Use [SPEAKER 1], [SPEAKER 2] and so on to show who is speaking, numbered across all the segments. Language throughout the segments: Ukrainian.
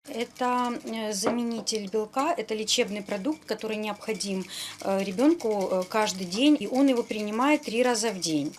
[SPEAKER 1] Это заменитель белка, это лечебный продукт, который необходим ребенку каждый день, и он его принимает 3 раза в день.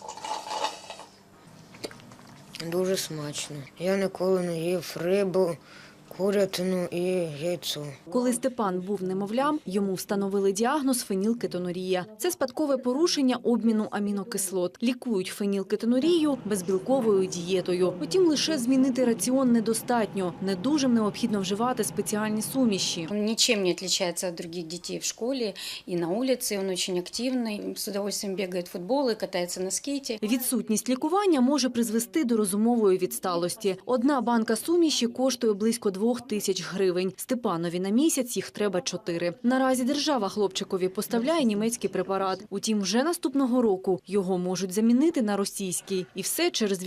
[SPEAKER 2] Дуже смачно. Я ніколи не їв рибу, курятину і яйцо.
[SPEAKER 3] Коли Степан був немовлям, йому встановили діагноз фенілкетонурія. Це спадкове порушення обміну амінокислот. Лікують фенілкетонурію безбілковою дієтою. Втім, лише змінити раціон недостатньо. Недужим необхідно вживати спеціальні суміші.
[SPEAKER 1] Он ничем не отличается от других детей в школе и на улице. Он очень активный, с удовольствием бегает в футбол и катается на скейте.
[SPEAKER 3] Відсутність лікування може призвести до розумової відсталості. Одна банка суміші коштує близько 2000 гривень. Степанові на місяць їх треба 4. Наразі держава хлопчикові поставляє німецький препарат. Утім, вже наступного року його можуть замінити на російський. І все через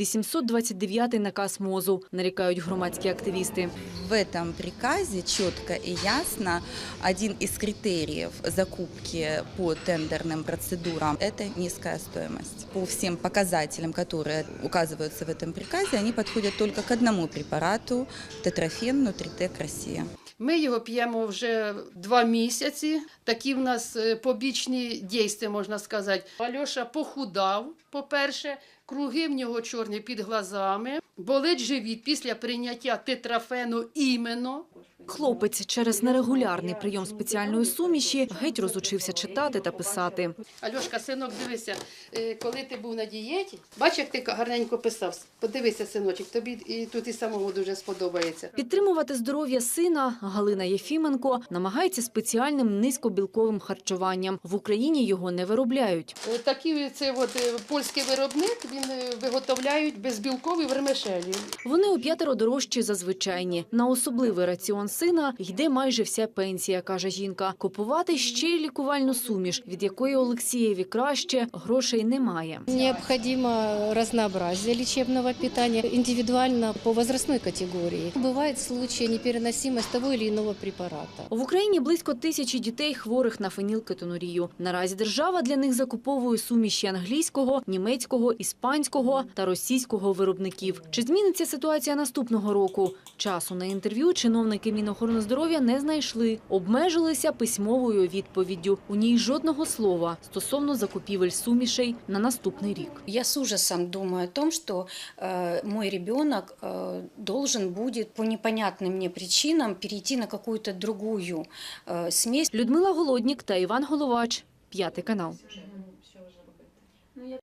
[SPEAKER 3] 829-й наказ МОЗу, нарікають громадські активісти.
[SPEAKER 4] В этом приказе четко и ясно один из критериев закупки по тендерным процедурам – это низкая стоимость. По всем показателям, которые указываются в этом приказе, они подходят только к одному препарату – тетрафен Нутритек Россия.
[SPEAKER 5] Ми його п'ємо вже 2 місяці. Такі в нас побічні дійства, можна сказати. Альоша похудав, по-перше, круги в нього чорні під глазами, болить живіт після прийняття тетрафену іменно.
[SPEAKER 3] Хлопець через нерегулярний прийом спеціальної суміші геть розучився читати та писати.
[SPEAKER 5] Альошка, синок, дивися, коли ти був на дієті, бач, як ти гарненько писав. Подивися, синочок, тобі і тут і самому дуже сподобається.
[SPEAKER 3] Підтримувати здоров'я сина Галина Єфіменко намагається спеціальним низькобілковим харчуванням. В Україні його не виробляють.
[SPEAKER 5] Такий це польський виробник, він виготовляють безбілкові вермишелі.
[SPEAKER 3] Вони у 5 дорожчі за звичайні. На особливий раціон сина йде майже вся пенсія, каже жінка. Купувати ще й лікувальну суміш, від якої Олексієві краще, грошей немає.
[SPEAKER 6] Необходимо разнообразие лечебного питания, индивидуально по возрастной категории. Бывают случаи непереносимости того или иного препарата.
[SPEAKER 3] В Україні близько 1000 дітей хворих на фенілкетонурію. Наразі держава для них закуповує суміші англійського, німецького, іспанського та російського виробників. Чи зміниться ситуація наступного року? Часу на інтерв'ю чиновники Мінохорони здоров'я не знайшли. Обмежилися письмовою відповіддю. У ній жодного слова стосовно закупівель сумішей на наступний рік.
[SPEAKER 1] Я с ужасом думаю о том, что мой ребенок должен будет по непонятным мне причинам перейти на какую-то другую смесь.
[SPEAKER 3] Людмила Голоднік та Іван Головач. 5 канал.